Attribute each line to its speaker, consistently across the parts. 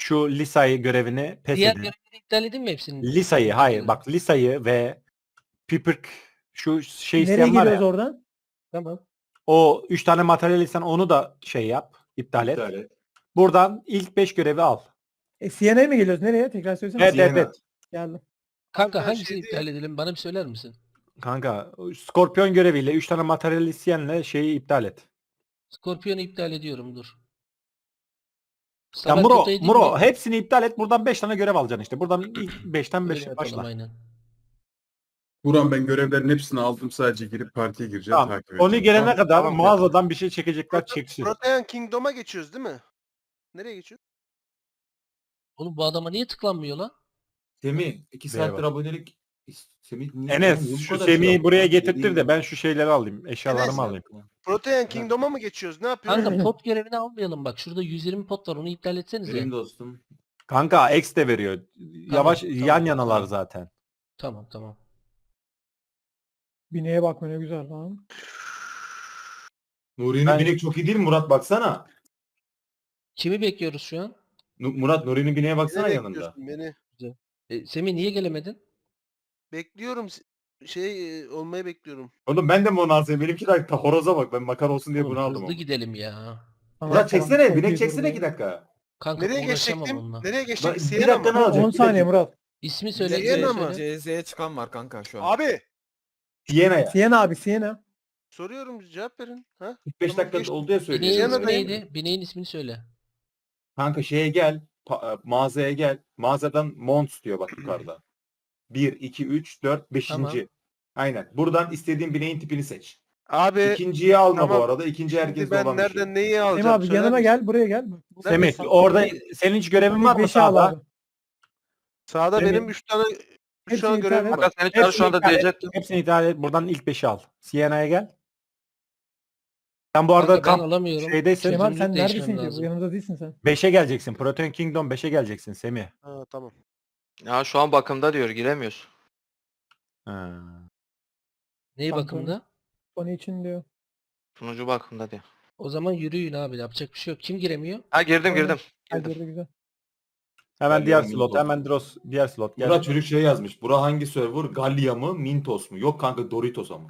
Speaker 1: şu Lisa'yı görevini pes
Speaker 2: Diğer
Speaker 1: edin.
Speaker 2: görevleri iptal edin mi hepsini?
Speaker 1: Lisa'yı hayır bak Lisa'yı ve Pipirk şu şey
Speaker 3: Nereye
Speaker 1: isteyen var
Speaker 3: geliyoruz
Speaker 1: ya.
Speaker 3: oradan?
Speaker 2: Tamam.
Speaker 1: O 3 tane materyal isten onu da şey yap. İptal et. Buradan ilk 5 görevi al.
Speaker 3: CNA'ya mi geliyoruz? Nereye? Tekrar söylesene.
Speaker 1: Evet evet evet.
Speaker 3: Geldim.
Speaker 2: Kanka
Speaker 4: Ben
Speaker 2: hangisini
Speaker 4: şey
Speaker 2: iptal edelim? Bana bir söyler misin?
Speaker 1: Kanka Skorpion göreviyle 3 tane materyal isteyenle şeyi iptal et.
Speaker 2: Skorpiyonu iptal ediyorum dur.
Speaker 1: Ya
Speaker 2: Saber
Speaker 1: Muro,
Speaker 2: Kota'yı değil
Speaker 1: Muro
Speaker 2: mi?
Speaker 1: hepsini iptal et. Buradan 5 tane görev alacaksın işte. Buradan ilk 5'ten
Speaker 2: Öyle
Speaker 1: 5
Speaker 2: yapalım
Speaker 1: başla.
Speaker 2: aynen.
Speaker 5: Buran ben görevlerin hepsini aldım, sadece girip partiye gireceğim,
Speaker 1: Tamam.
Speaker 5: takip edeceğim.
Speaker 1: Onu gelene kadar
Speaker 4: Tamam.
Speaker 1: mağazadan bir şey çekecekler çeksin.
Speaker 4: Protean Kingdom'a geçiyoruz değil mi? Nereye geçiyoruz?
Speaker 2: Oğlum bu adama niye tıklanmıyor lan?
Speaker 6: Semih 2
Speaker 1: Eyvallah.
Speaker 6: saattir abonelik. Semih niye?
Speaker 1: Enes
Speaker 6: niye bu
Speaker 1: şu
Speaker 6: kadar
Speaker 1: Semih'i
Speaker 6: şey
Speaker 1: buraya
Speaker 6: yaptın?
Speaker 1: getirtir de
Speaker 6: Dediğin
Speaker 1: ben şu şeyleri alayım. Eşyalarımı
Speaker 4: Enes,
Speaker 1: alayım.
Speaker 4: Protean Kingdom'a mı geçiyoruz? Ne yapıyoruz?
Speaker 2: Kanka pot görevini almayalım bak. Şurada 120 pot var onu iptal etsenize.
Speaker 6: Benim dostum.
Speaker 1: Kanka X de veriyor. Yavaş
Speaker 2: tamam,
Speaker 1: yan yanalar
Speaker 2: tamam.
Speaker 1: zaten.
Speaker 2: Tamam.
Speaker 3: Bineğe bakma ne güzel lan.
Speaker 6: Nuri'nin
Speaker 1: Ben-
Speaker 6: binek çok iyi değil mi Murat, baksana.
Speaker 2: Kimi bekliyoruz şu an?
Speaker 6: Murat Nuri'nin bineğe baksana
Speaker 4: Beni
Speaker 6: yanında.
Speaker 4: bekliyorsun beni.
Speaker 2: Semih niye gelemedin?
Speaker 4: Bekliyorum. Olmayı bekliyorum.
Speaker 6: Oğlum ben de mi onu alsayım? Benimki de horoza bak, ben makar olsun diye
Speaker 2: Oğlum,
Speaker 6: bunu aldım.
Speaker 2: hızlı
Speaker 6: ama.
Speaker 2: gidelim ya.
Speaker 6: Murat çeksene,
Speaker 3: Çok
Speaker 6: binek
Speaker 3: iyi
Speaker 6: çeksene
Speaker 3: durum
Speaker 6: 2
Speaker 3: ya.
Speaker 6: dakika.
Speaker 2: Kanka
Speaker 4: Nereye
Speaker 2: uğraşamam
Speaker 4: geçecektim?
Speaker 2: onunla.
Speaker 4: Nereye
Speaker 6: Bak,
Speaker 4: geçecek?
Speaker 6: bir
Speaker 4: Siena
Speaker 6: dakikanı
Speaker 4: mı?
Speaker 6: alacak.
Speaker 3: 10 saniye Murat.
Speaker 2: İsmi söyle.
Speaker 4: Siena
Speaker 2: ismini
Speaker 4: mı?
Speaker 2: söyle.
Speaker 7: CZ'ye çıkan var kanka şu an.
Speaker 4: Abi
Speaker 6: Siena'ya.
Speaker 3: Siena abi Siena.
Speaker 4: soruyorum, cevap verin. Ha?
Speaker 6: 45
Speaker 4: Tamam,
Speaker 6: dakika
Speaker 4: geçtim.
Speaker 6: oldu ya
Speaker 2: Bineğin
Speaker 6: söyleyeyim.
Speaker 2: ismi
Speaker 4: Siena'dayım.
Speaker 2: neydi? Bineğin ismini söyle.
Speaker 6: Kanka şeye gel. Mağazaya gel. Mağazadan Mons diyor bak yukarıda. 1, 2, 3, 4, 5.
Speaker 2: Tamam.
Speaker 6: Aynen. Buradan istediğin bineğin tipini seç.
Speaker 4: Abi
Speaker 6: İkinciyi alma
Speaker 4: tamam.
Speaker 6: bu arada. İkinci
Speaker 4: şimdi
Speaker 6: herkeste
Speaker 4: ben
Speaker 6: olan bir şey.
Speaker 4: nereden neyi
Speaker 3: Semih
Speaker 4: alacağım?
Speaker 3: abi
Speaker 4: Söyler
Speaker 3: yanıma
Speaker 4: misin?
Speaker 3: gel buraya gel.
Speaker 1: Semih
Speaker 4: Neredesin?
Speaker 1: orada senin hiç görevin var mı
Speaker 3: Beşi al
Speaker 1: sağda?
Speaker 3: abi.
Speaker 4: Sağda
Speaker 1: Semih.
Speaker 4: benim 3 tane
Speaker 3: Hepsini iptal
Speaker 4: görevim
Speaker 3: et.
Speaker 4: var.
Speaker 7: Seni çağır şu anda
Speaker 1: iptal et.
Speaker 7: diyecektim.
Speaker 1: Hepsini iptal et. Buradan ilk 5'i al. Siena'ya gel. Sen bu arada
Speaker 2: Kanka ben
Speaker 1: kamp
Speaker 2: alamıyorum.
Speaker 1: şeydeysin.
Speaker 3: Kemal
Speaker 2: Çözünürlük
Speaker 3: sen
Speaker 2: değişmem
Speaker 3: neredesin ki?
Speaker 2: lazım.
Speaker 3: Yanımda değilsin sen.
Speaker 1: 5'e geleceksin. Protein Kingdom 5'e geleceksin Semih.
Speaker 4: Ha, tamam.
Speaker 7: Ya şu an bakımda diyor, giremiyoruz.
Speaker 1: Ha.
Speaker 2: Neyi
Speaker 3: Kanka.
Speaker 2: bakımda?
Speaker 3: Onun için diyor.
Speaker 7: Sunucu bakımda diyor.
Speaker 2: O zaman yürüyün abi yapacak bir şey yok. Kim giremiyor?
Speaker 7: Ha girdim.
Speaker 3: Hadi girdi güzel.
Speaker 1: Hemen
Speaker 6: Ben
Speaker 1: diğer
Speaker 6: de
Speaker 1: slot.
Speaker 6: Mintos.
Speaker 1: Hemen diğer slot. Gel.
Speaker 6: Murat çocuk şey yazmış. Bura hangi server? Gallia mı? Mintos mu? Yok kanka, Doritos ama.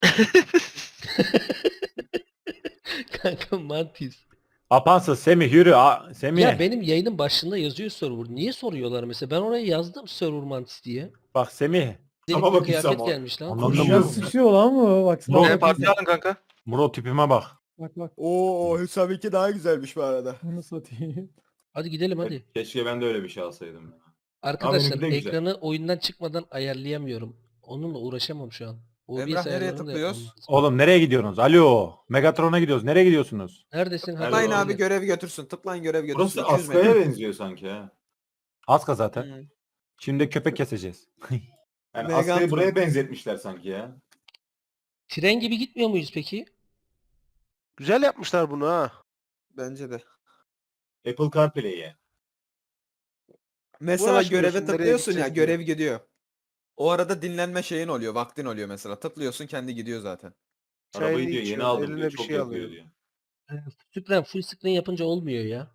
Speaker 2: Kanka Mantis.
Speaker 1: Apansız Semih yürü. Semih.
Speaker 2: Ya benim yayının başında yazıyor server. Niye soruyorlar mesela? Ben oraya yazdım server Mantis diye.
Speaker 1: Bak Semih.
Speaker 6: Ama
Speaker 2: Delik bir
Speaker 6: bak
Speaker 2: kıyafet
Speaker 6: İslam abi.
Speaker 2: gelmiş lan.
Speaker 1: Anladım.
Speaker 6: Konuşuyor
Speaker 3: Ya
Speaker 6: mu?
Speaker 3: sıçıyor lan bu. Baksana.
Speaker 1: Murat-
Speaker 7: Ne parti alın kanka?
Speaker 1: Muro tipime bak.
Speaker 3: Bak.
Speaker 8: Oo Hüsam 2 daha güzelmiş bu arada.
Speaker 3: Bunu satayım.
Speaker 2: Hadi gidelim hadi.
Speaker 6: Keşke ben de öyle bir şey alsaydım.
Speaker 2: Arkadaşlar
Speaker 6: benimki de güzel.
Speaker 2: ekranı oyundan çıkmadan ayarlayamıyorum. Onunla uğraşamam şu an. OBS
Speaker 7: Emrah, nereye
Speaker 2: ayarlarını da
Speaker 7: tıklıyoruz?
Speaker 2: yapmam lazım.
Speaker 1: Oğlum nereye gidiyorsunuz? Alo. Megatron'a gidiyoruz. Nereye gidiyorsunuz?
Speaker 2: Neredesin? Hadi
Speaker 7: Tıklayın Alo. abi, görev götürsün. Tıklayın, görev götürsün.
Speaker 6: Burası
Speaker 7: 200 metre.
Speaker 6: Aska'ya benziyor sanki ha.
Speaker 1: Aska zaten.
Speaker 7: Hı.
Speaker 1: Şimdi köpek keseceğiz.
Speaker 6: Yani
Speaker 8: Megatron.
Speaker 6: Aska'yı buraya benzetmişler sanki ya.
Speaker 2: Tren gibi gitmiyor muyuz peki?
Speaker 4: Güzel yapmışlar bunu ha.
Speaker 7: Bence de.
Speaker 6: Apple CarPlay'e.
Speaker 8: Mesela
Speaker 4: Uğraşmıyorsun,
Speaker 8: göreve
Speaker 4: nereye
Speaker 8: tıklıyorsun ya,
Speaker 4: gideceğiz diye.
Speaker 8: görev gidiyor. O arada dinlenme şeyin oluyor, vaktin oluyor mesela. Tıklıyorsun, kendi gidiyor zaten.
Speaker 6: Arabayı
Speaker 4: Çayını
Speaker 6: diyor yeni
Speaker 4: içiyor,
Speaker 6: aldım
Speaker 4: eline
Speaker 6: diyor.
Speaker 4: bir
Speaker 6: Çok
Speaker 4: şey
Speaker 6: yakıyor
Speaker 4: alıyor.
Speaker 6: diyor.
Speaker 2: Süpren full screen yapınca olmuyor ya.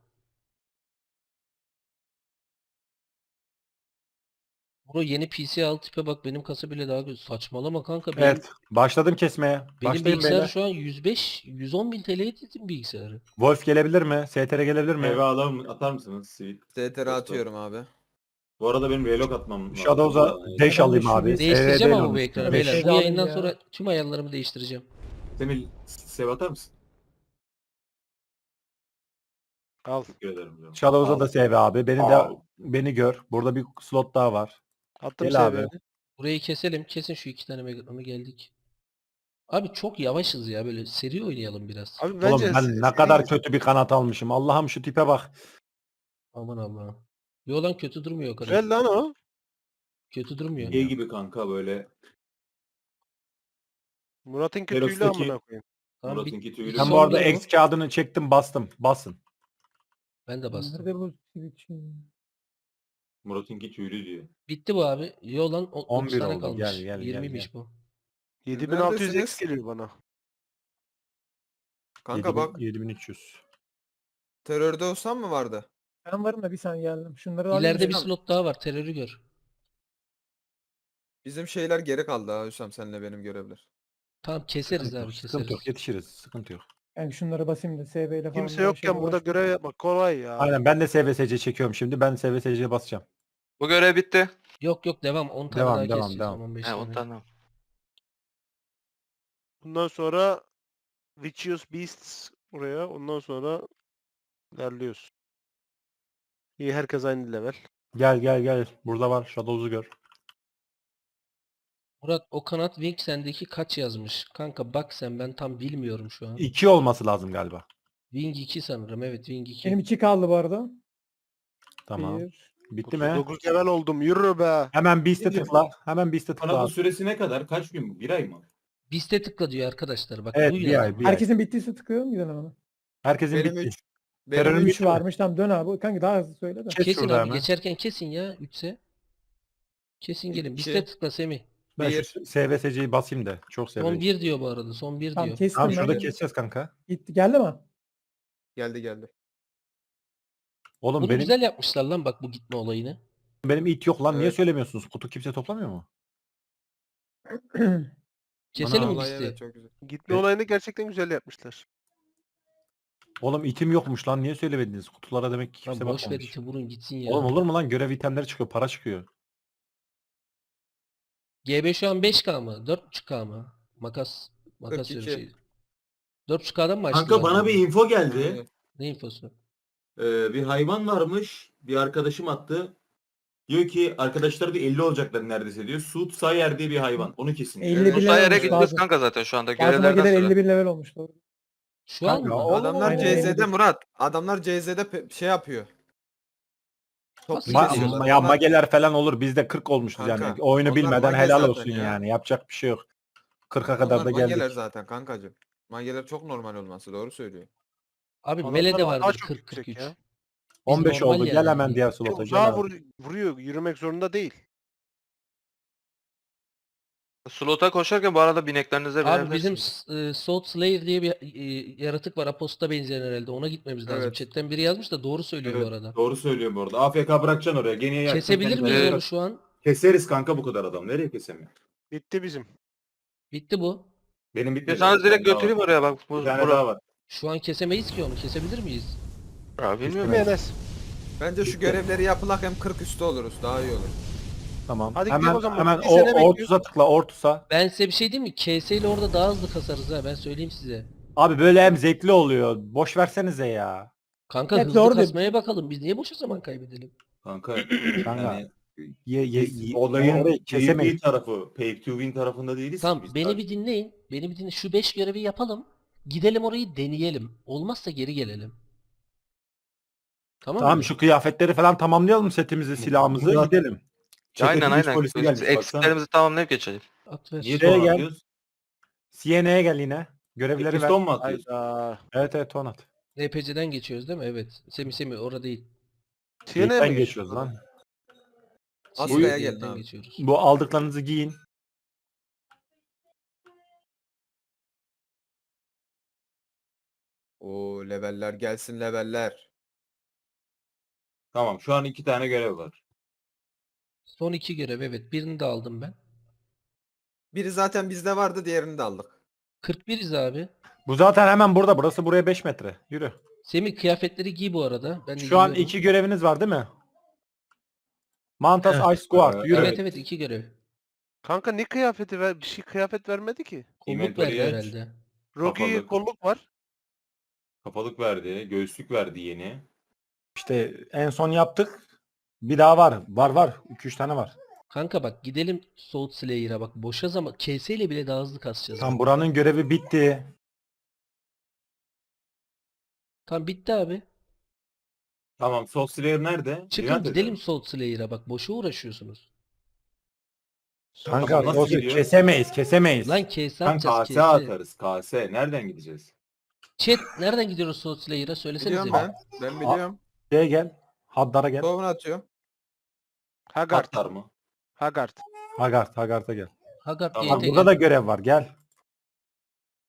Speaker 2: Bro yeni PC al tipe bak benim kasa bile daha güzel. Saçmalama kanka. Benim,
Speaker 1: Evet. Başladım kesmeye.
Speaker 2: benim
Speaker 1: Başlayın
Speaker 2: bilgisayar
Speaker 1: beyler.
Speaker 2: şu an 105-110 bin TL'ye dedim bilgisayarı.
Speaker 1: Wolf gelebilir mi? STR gelebilir mi?
Speaker 6: Eve atar mısınız? Sweet.
Speaker 8: CTR atıyorum abi.
Speaker 6: Bu arada benim relog atmam lazım.
Speaker 1: Shadows'a dash alayım abi.
Speaker 2: Değiştireceğim
Speaker 1: SRD
Speaker 2: ama bu
Speaker 1: ile
Speaker 2: ekranı
Speaker 1: olmuş.
Speaker 2: beyler.
Speaker 3: Beş
Speaker 2: Bu
Speaker 3: alın
Speaker 2: yayından
Speaker 3: ya.
Speaker 2: sonra tüm ayarlarımı değiştireceğim.
Speaker 6: Semih sev atar mısın?
Speaker 4: Al.
Speaker 6: Teşekkür ederim. canım.
Speaker 1: Shadows'a da
Speaker 6: Al.
Speaker 1: sev abi.
Speaker 6: Al.
Speaker 1: Beni gör. Burada bir slot daha var.
Speaker 4: Attım
Speaker 1: Gel abi.
Speaker 4: seviyeni.
Speaker 2: Burayı keselim. Kesin şu iki tane Megatron'u geldik. Abi çok yavaşız ya böyle seri oynayalım biraz.
Speaker 4: Abi
Speaker 1: Oğlum
Speaker 4: bence
Speaker 1: ben ne kadar kötü bir kanat almışım. Allah'ım şu tipe bak.
Speaker 2: Aman Allah'ım. Yo lan kötü durmuyor o kadar.
Speaker 4: güzel lan o.
Speaker 2: Kötü durmuyor.
Speaker 6: Şey gibi kanka böyle.
Speaker 4: Murat'ın kötüyle
Speaker 6: Xerox'taki-
Speaker 4: amına koyayım.
Speaker 2: Tamam,
Speaker 6: Murat'ınki tüylü.
Speaker 2: bir
Speaker 1: Ben
Speaker 2: son
Speaker 1: bu arada
Speaker 2: bir
Speaker 1: X kağıdını çektim bastım. Basın.
Speaker 2: Ben de bastım.
Speaker 3: Nerede bu switch?
Speaker 6: Murat'ınki tüylü diyor.
Speaker 2: Bitti bu abi. Yo lan
Speaker 1: 11
Speaker 2: 11 tane
Speaker 1: oldu.
Speaker 2: kalmış.
Speaker 1: Gel, gel,
Speaker 2: 20'miş
Speaker 1: gel.
Speaker 2: bu.
Speaker 4: 7600 X
Speaker 8: Neredesiniz?
Speaker 4: geliyor bana.
Speaker 8: Kanka bak,
Speaker 1: 7300.
Speaker 8: terörde olsam mı vardı?
Speaker 3: Ben varım da bir saniye geldim. Şunları alayım
Speaker 2: İleride
Speaker 3: da-
Speaker 2: bir slot daha var. Terörü gör.
Speaker 7: Bizim şeyler geri kaldı ha Hüsam senle benim görevler.
Speaker 2: Tamam keseriz abi
Speaker 1: Sıkıntı yok.
Speaker 2: keseriz.
Speaker 1: Yetişiriz. Sıkıntı yok.
Speaker 3: Yani şunları basayım da SB ile falan.
Speaker 4: Kimse
Speaker 3: uğraşayım,
Speaker 4: yokken burada
Speaker 3: uğraşmayayım.
Speaker 4: görev yapmak kolay ya.
Speaker 1: Aynen ben de SVSC çekiyorum şimdi. Ben SVSC'ye basacağım.
Speaker 7: Bu görev bitti.
Speaker 2: Yok yok devam. 10 tane
Speaker 1: Devam,
Speaker 2: daha
Speaker 1: devam,
Speaker 2: keseceğiz.
Speaker 1: devam.
Speaker 2: 15
Speaker 7: He
Speaker 2: tane.
Speaker 7: 10 tane.
Speaker 4: Bundan sonra Vicious Beasts buraya. Ondan sonra ilerliyoruz. İyi herkes aynı level.
Speaker 1: Gel gel gel. Burada var. Shadows'u gör.
Speaker 2: Murat o kanat wing sendeki kaç yazmış? Kanka bak sen ben tam bilmiyorum şu an.
Speaker 1: 2 olması lazım galiba.
Speaker 2: Wing 2 sanırım. Evet Wing 2.
Speaker 3: Benim 2 kaldı bu arada.
Speaker 1: Tamam.
Speaker 3: 1.
Speaker 1: Bitti mi?
Speaker 4: 9 level oldum. Yürü be.
Speaker 1: Hemen Beast'e
Speaker 6: Ne diyor
Speaker 1: tıkla.
Speaker 6: bu?
Speaker 1: Hemen Beast'e tıkla.
Speaker 6: Kanalın
Speaker 1: abi.
Speaker 6: süresi ne kadar? Kaç gün bu? Bir ay mı?
Speaker 2: Biste tıkla diyor arkadaşlar. Bak
Speaker 1: Evet
Speaker 2: duyun
Speaker 1: bir
Speaker 2: yani.
Speaker 1: ay. Bir ay.
Speaker 3: Herkesin bittiyse tıkıyorum gidelim hemen.
Speaker 1: Herkesin
Speaker 7: Benim
Speaker 1: bitti.
Speaker 7: 3.
Speaker 1: Terörün
Speaker 7: Benim
Speaker 3: 3
Speaker 1: bitti mi?
Speaker 3: varmış. Tamam dön abi. Kanka daha hızlı söyle de.
Speaker 1: Kes
Speaker 2: Kesin
Speaker 1: şurada
Speaker 2: abi
Speaker 1: hemen.
Speaker 2: geçerken kesin ya 3'se. Kesin gelin.
Speaker 7: İki.
Speaker 2: Biste tıkla Semih.
Speaker 1: Ben
Speaker 7: Bir.
Speaker 1: şu SVSC'yi basayım da. Çok
Speaker 2: Son
Speaker 1: seviyorum.
Speaker 2: 1 diyor bu arada. Son 1
Speaker 3: Tamam
Speaker 2: diyor.
Speaker 3: kestim
Speaker 1: Tamam
Speaker 3: ben.
Speaker 1: şurada keseceğiz kanka.
Speaker 3: Gitti. Geldi mi?
Speaker 7: Geldi.
Speaker 1: Oğlum
Speaker 2: Bunu
Speaker 1: benim
Speaker 2: güzel yapmışlar lan bak bu gitme olayını.
Speaker 1: benim it yok lan. Niye
Speaker 7: Evet.
Speaker 1: söylemiyorsunuz? Kutu kimse toplamıyor mu?
Speaker 2: Keselim mi
Speaker 7: Olay
Speaker 2: bisti?
Speaker 7: evet çok güzel.
Speaker 4: Gitme olayını gerçekten güzel yapmışlar.
Speaker 1: Oğlum itim yokmuş lan. Niye söylemediniz? Kutulara demek ki
Speaker 2: Lan
Speaker 1: kimse
Speaker 2: boş ver
Speaker 1: bakmamış.
Speaker 2: iti vurun gitsin ya.
Speaker 1: Oğlum olur mu lan? Görev itemleri çıkıyor. Para çıkıyor.
Speaker 2: GB şu an 5K mı? 4.5K mı? Makas. Makas
Speaker 7: 42.
Speaker 2: diyorum şey. 4.5K'dan mı başlıyor?
Speaker 9: Kanka bana bir info geldi.
Speaker 7: Aynen.
Speaker 2: Ne infosu?
Speaker 9: Bir hayvan varmış. Bir arkadaşım attı. Diyor ki arkadaşlar da 50 olacaklar neredeyse diyor. Suud Sayer diye bir hayvan. Onu kesin.
Speaker 3: 50
Speaker 7: Bu
Speaker 3: bin level
Speaker 7: sayere
Speaker 3: olmuş
Speaker 7: gidiyoruz
Speaker 3: lazım.
Speaker 7: kanka zaten şu anda
Speaker 3: Bazı
Speaker 7: görevlerden
Speaker 3: mageler
Speaker 7: sonra.
Speaker 3: 50 bin level olmuş doğru.
Speaker 2: Şu an
Speaker 1: Kanka,
Speaker 2: mı?
Speaker 1: o-
Speaker 7: Adamlar
Speaker 3: Aynen,
Speaker 7: CZ'de
Speaker 3: 51.
Speaker 7: Murat. Adamlar CZ'de şey yapıyor. Çok
Speaker 2: Nasıl
Speaker 7: güzel
Speaker 2: kesiyorlar?
Speaker 7: diyorlar.
Speaker 1: Ya
Speaker 7: Onlar-
Speaker 1: mageler falan olur. Biz de 40 olmuşuz
Speaker 7: Kanka,
Speaker 1: yani. Oyunu
Speaker 7: onlar
Speaker 1: bilmeden
Speaker 7: mage
Speaker 1: helal
Speaker 7: zaten
Speaker 1: olsun
Speaker 7: ya.
Speaker 1: yani. Yapacak bir şey yok. 40'a kadar
Speaker 7: onlar
Speaker 1: da
Speaker 7: mageler
Speaker 1: geldik.
Speaker 7: zaten kankacım. Mageler çok normal olması doğru söylüyor.
Speaker 2: Abi
Speaker 4: Adamlar
Speaker 2: Mele'de
Speaker 4: daha
Speaker 2: vardır
Speaker 4: çok
Speaker 2: 40-43.
Speaker 4: yüksek ya.
Speaker 1: 15
Speaker 2: normal
Speaker 1: oldu.
Speaker 2: yani.
Speaker 1: Gel hemen diğer
Speaker 4: Bir de
Speaker 1: slota. Gel
Speaker 4: uzağa
Speaker 1: abi.
Speaker 4: vuruyor. Yürümek zorunda değil.
Speaker 7: Slota koşarken bu arada bineklerinize
Speaker 2: Abi bizim
Speaker 7: binebilirsiniz.
Speaker 2: Salt Slayer diye bir yaratık var. Aposta benzeyen herhalde. Ona gitmemiz lazım.
Speaker 7: Evet.
Speaker 2: Chatten biri yazmış da doğru söylüyor bu
Speaker 9: Evet,
Speaker 2: arada.
Speaker 9: doğru söylüyor bu arada. AFK bırakacaksın oraya. Geniye yakacaksın.
Speaker 2: Kesebilir
Speaker 9: kendini.
Speaker 2: miyiz onu şu an?
Speaker 9: Keseriz kanka bu kadar adam. Nereye kesemiyor?
Speaker 4: Bitti bizim.
Speaker 2: Bitti bu.
Speaker 9: Benim bitmedi.
Speaker 7: İstiyorsanız direkt
Speaker 9: Bir tane daha
Speaker 7: götüreyim
Speaker 9: var.
Speaker 7: oraya bak. Bu,
Speaker 9: Bir tane
Speaker 7: bura-
Speaker 9: daha var.
Speaker 2: Şu an kesemeyiz ki onu. Kesebilir miyiz?
Speaker 7: Ya bilmiyorum.
Speaker 4: Değil mi Enes?
Speaker 7: Bence şu görevleri yapılak hem 40 üstü oluruz. Daha iyi olur.
Speaker 1: Tamam.
Speaker 4: Hadi
Speaker 1: hemen
Speaker 4: gidelim o zaman.
Speaker 1: hemen
Speaker 4: Bir sene bekliyoruz.
Speaker 1: Ortus'a tıkla. Ortus'a.
Speaker 2: Ben size bir şey diyeyim mi? KS ile orada daha hızlı kasarız ha. Ben söyleyeyim size.
Speaker 1: Abi böyle hem zevkli oluyor. Boş versenize ya.
Speaker 2: Kanka
Speaker 3: Evet,
Speaker 2: hızlı
Speaker 3: doğru diyor.
Speaker 2: kasmaya bakalım. Biz niye boşa zaman kaybedelim?
Speaker 9: Kanka.
Speaker 1: Kanka.
Speaker 9: Yani biz
Speaker 1: Olayın
Speaker 9: olayın
Speaker 1: kesemeyiz.
Speaker 9: PvP tarafı, pay to win tarafında değiliz ki
Speaker 2: Tamam
Speaker 9: biz
Speaker 2: beni
Speaker 9: sadece.
Speaker 2: bir dinleyin. Beni bir dinleyin. Şu 5 görevi yapalım. Gidelim orayı deneyelim. Olmazsa geri gelelim. Tamam
Speaker 1: Tamam
Speaker 2: mı?
Speaker 1: şu kıyafetleri falan tamamlayalım setimizi, silahımızı
Speaker 9: Zaten-
Speaker 1: gidelim.
Speaker 9: Çeteki
Speaker 7: Aynen
Speaker 9: güç
Speaker 7: aynen.
Speaker 9: polisi
Speaker 7: Biz
Speaker 9: gelmiş, baksana.
Speaker 7: eksiklerimizi tamamlayıp geçelim.
Speaker 2: At ver.
Speaker 9: Niye
Speaker 1: Şuraya
Speaker 9: ton
Speaker 1: gel.
Speaker 9: atıyoruz?
Speaker 1: CNA'ya gel yine. Görevleri ver.
Speaker 9: Piston mu atıyoruz?
Speaker 4: Hayda.
Speaker 1: Evet ton at.
Speaker 2: NPC'den geçiyoruz değil mi? Evet. Semi orada değil.
Speaker 4: TN'ye
Speaker 1: İlkten
Speaker 4: mi
Speaker 1: geçiyoruz lan.
Speaker 7: Askıya
Speaker 2: CN'den
Speaker 7: gelin abi.
Speaker 2: geçiyoruz.
Speaker 1: Bu aldıklarınızı giyin.
Speaker 7: Oo leveller gelsin leveller.
Speaker 9: Tamam şu an 2 tane görev var.
Speaker 2: Son 2 görev evet. Birini de aldım ben.
Speaker 7: Biri zaten bizde vardı diğerini de aldık.
Speaker 2: 41'iz abi.
Speaker 1: Bu zaten hemen burada. Burası buraya 5 metre. Yürü.
Speaker 2: Semih kıyafetleri giy bu arada. Ben de
Speaker 1: Şu an
Speaker 2: giyiyorum.
Speaker 1: 2 göreviniz var değil mi? Mantas
Speaker 2: Evet.
Speaker 1: Ice Guard. Yürü.
Speaker 2: Evet evet 2 görev.
Speaker 4: Kanka ne kıyafeti ver? Bir şey kıyafet vermedi ki.
Speaker 2: Kolluk
Speaker 9: Inventory'yi
Speaker 2: verdi
Speaker 9: aç.
Speaker 2: herhalde.
Speaker 4: Rocky
Speaker 9: Kapalı.
Speaker 4: kolluk var.
Speaker 9: Kapalık verdi, göğüslük verdi yeni.
Speaker 1: İşte en son yaptık. Bir daha var. Var. 2-3 tane var.
Speaker 2: Kanka bak gidelim Salt Slayer'a bak. Boşa zaman. KS ile bile daha hızlı kasacağız.
Speaker 1: Tam buranın görevi bitti.
Speaker 2: Tam bitti abi.
Speaker 9: Tamam, Soul Slayer nerede?
Speaker 2: Çıkın
Speaker 9: Inventory'de
Speaker 2: gidelim
Speaker 9: mi?
Speaker 2: Salt Slayer'a bak. Boşa uğraşıyorsunuz.
Speaker 1: Kanka
Speaker 9: Tamam, nasıl
Speaker 1: o-
Speaker 9: gidiyor?
Speaker 1: kesemeyiz.
Speaker 2: Lan KS
Speaker 9: Sen
Speaker 2: atacağız
Speaker 9: KS
Speaker 2: KS.
Speaker 9: atarız, KS. Nereden gideceğiz?
Speaker 2: Chat nereden gidiyoruz Salt Slayer'a? Söylesenize.
Speaker 7: Biliyorum
Speaker 2: bir.
Speaker 7: ben. Ben biliyorum.
Speaker 1: Şeye gel. Haddar'a gel.
Speaker 7: Tohumunu atıyorum.
Speaker 4: Haggard.
Speaker 9: Atlar mı?
Speaker 4: Haggard.
Speaker 1: Haggard'a gel.
Speaker 2: Haggard
Speaker 9: Tamam,
Speaker 2: GT
Speaker 1: Bak burada da görev var. Gel.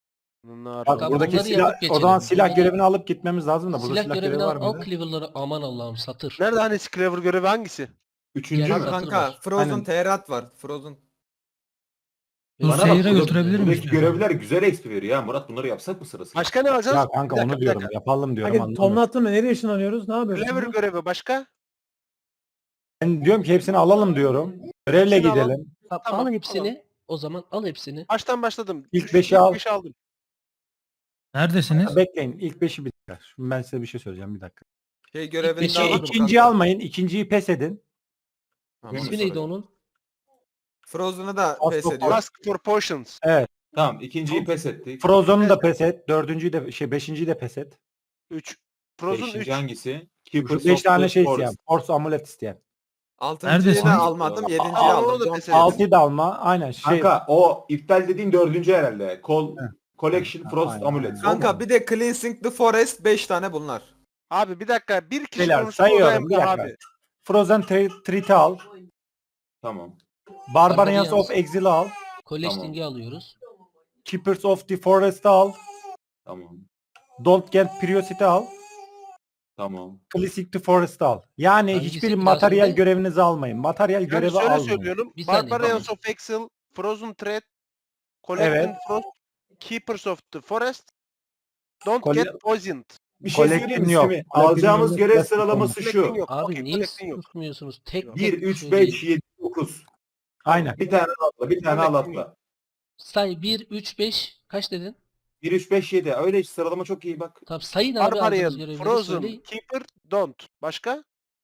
Speaker 4: Bunlar
Speaker 1: Bak
Speaker 2: Tamam,
Speaker 1: buradaki
Speaker 2: bunları
Speaker 1: silah,
Speaker 2: yapıp
Speaker 1: o
Speaker 2: geçelim.
Speaker 1: zaman silah
Speaker 2: Buradaki
Speaker 1: görevini alıp gitmemiz lazım da burada
Speaker 2: Silah
Speaker 1: silah
Speaker 2: görevini
Speaker 1: görevi var
Speaker 2: al
Speaker 1: mıydı?
Speaker 2: Cleaver'ları aman Allah'ım satır.
Speaker 4: Nerede hani Cleaver görevi hangisi?
Speaker 6: Üçüncü
Speaker 2: Gel
Speaker 6: mü?
Speaker 2: satır
Speaker 8: Kanka
Speaker 2: var.
Speaker 8: Frozen
Speaker 1: Aynen.
Speaker 8: Teherat var. Frozen.
Speaker 2: Yok,
Speaker 6: Bana bak,
Speaker 10: seyre
Speaker 6: burada-
Speaker 10: götürebilir miyiz
Speaker 6: buradaki
Speaker 10: diyorsun?
Speaker 6: görevler güzel XP veriyor ya Murat, bunları yapsak mı sırasıyla?
Speaker 4: Başka ne alacağız?
Speaker 1: Ya kanka
Speaker 4: Bir dakika,
Speaker 1: onu
Speaker 4: bir
Speaker 1: diyorum.
Speaker 4: dakika.
Speaker 1: Yapalım diyorum
Speaker 3: Kanka
Speaker 1: anlamıyorum.
Speaker 3: tonla attın mı? Nereye ışınlanıyoruz? Ne yapıyoruz?
Speaker 4: Cleaver
Speaker 3: şimdi?
Speaker 4: görevi başka?
Speaker 1: Ben diyorum ki hepsini alalım diyorum. Görevle
Speaker 4: Hepsini alalım.
Speaker 1: gidelim.
Speaker 4: Tamam,
Speaker 2: al hepsini. O zaman al hepsini.
Speaker 4: Baştan başladım.
Speaker 1: İlk beşi al.
Speaker 4: beşi aldım.
Speaker 10: Neredesiniz?
Speaker 1: Bekleyin. İlk 5'i bir dakika. Şimdi ben size bir şey söyleyeceğim bir dakika.
Speaker 8: Şey görevini
Speaker 2: beşi
Speaker 8: de aldım
Speaker 1: İkinciyi
Speaker 8: kanka.
Speaker 1: almayın. İkinciyi pes edin.
Speaker 8: Tamam.
Speaker 2: İsmi neydi onun?
Speaker 8: Frozen'ı da
Speaker 1: Az
Speaker 8: pes
Speaker 1: çok
Speaker 8: ediyor.
Speaker 4: Ask for potions.
Speaker 6: Tamam, ikinciyi pes ettik.
Speaker 1: Frozen'u da pes et. Dördüncüyü de beşinciyi de pes et.
Speaker 4: 3. Frozen 3.
Speaker 6: Beşinci hangisi?
Speaker 1: Şu
Speaker 6: Keepers
Speaker 1: 5
Speaker 6: of
Speaker 1: tane
Speaker 6: the
Speaker 1: şey
Speaker 6: Forest.
Speaker 1: isteyen. Force amulet isteyen.
Speaker 8: Altıncıyı
Speaker 10: Neredesin?
Speaker 8: da almadım. Yedinciyi
Speaker 4: Aa, onu
Speaker 8: aldım.
Speaker 4: da
Speaker 8: Don't
Speaker 4: pes
Speaker 8: get
Speaker 4: ettim.
Speaker 8: it.
Speaker 1: 6'yı da alma. Aynen şey.
Speaker 6: Kanka o iptal dediğin dördüncü herhalde. Collection
Speaker 1: Ha,
Speaker 6: Frost
Speaker 1: aynen.
Speaker 6: Amulet.
Speaker 8: Kanka bir de Cleansing the Forest 5 tane bunlar.
Speaker 4: Abi bir dakika. Bir kişi
Speaker 1: Beyler
Speaker 4: konuştu orada
Speaker 1: sayıyorum bir
Speaker 4: Emre
Speaker 1: dakika.
Speaker 4: abi.
Speaker 1: Frozen Treat'i al.
Speaker 6: Tamam.
Speaker 1: Barbarians
Speaker 2: Barbarians.
Speaker 1: of Exil'i al.
Speaker 2: Collecting'i alıyoruz.
Speaker 1: Keepers of the Forest'ı al.
Speaker 6: Tamam.
Speaker 1: Don't Get Curiosity al.
Speaker 6: Tamam.
Speaker 1: Classic the Forest'ı al. Yani
Speaker 2: Hangisi
Speaker 1: hiçbir
Speaker 2: lazım
Speaker 1: materyal
Speaker 2: be?
Speaker 1: görevinizi almayın. Materyal
Speaker 4: Yani
Speaker 1: görevi
Speaker 4: şöyle
Speaker 1: almayın.
Speaker 4: söylüyorum.
Speaker 2: Bir saniye,
Speaker 4: Barbarians of Exile, Frozen Thread, Collecting
Speaker 1: Evet.
Speaker 4: Frost, Keepers of the Forest, Don't
Speaker 1: Colle-
Speaker 4: Get Poisoned.
Speaker 6: Bir şey
Speaker 1: Collecting
Speaker 6: söyleyeyim mi
Speaker 1: yok.
Speaker 6: Semih?
Speaker 1: Collecting
Speaker 6: Alacağımız
Speaker 1: yok.
Speaker 6: görev
Speaker 1: Collecting
Speaker 6: sıralaması
Speaker 4: Collecting
Speaker 6: şu.
Speaker 4: yok.
Speaker 2: Abi
Speaker 4: Okey,
Speaker 2: niye
Speaker 4: collecting yok.
Speaker 2: susmuyorsunuz? Tek
Speaker 6: 1,
Speaker 2: tek
Speaker 6: 3,
Speaker 2: söyleyin.
Speaker 6: 5, 7, 9.
Speaker 1: Aynen.
Speaker 6: Bir tane atla, bir tane al atla.
Speaker 2: Say 1, 3, 5. Kaç dedin?
Speaker 6: 1, 3, 5, 7. Öyle sıralama çok iyi bak.
Speaker 2: Tamam sayın abi aldığınız
Speaker 4: Barbarian,
Speaker 2: görevleri
Speaker 4: Frozen,
Speaker 2: söyleyin.
Speaker 4: Keeper, Don't. Başka?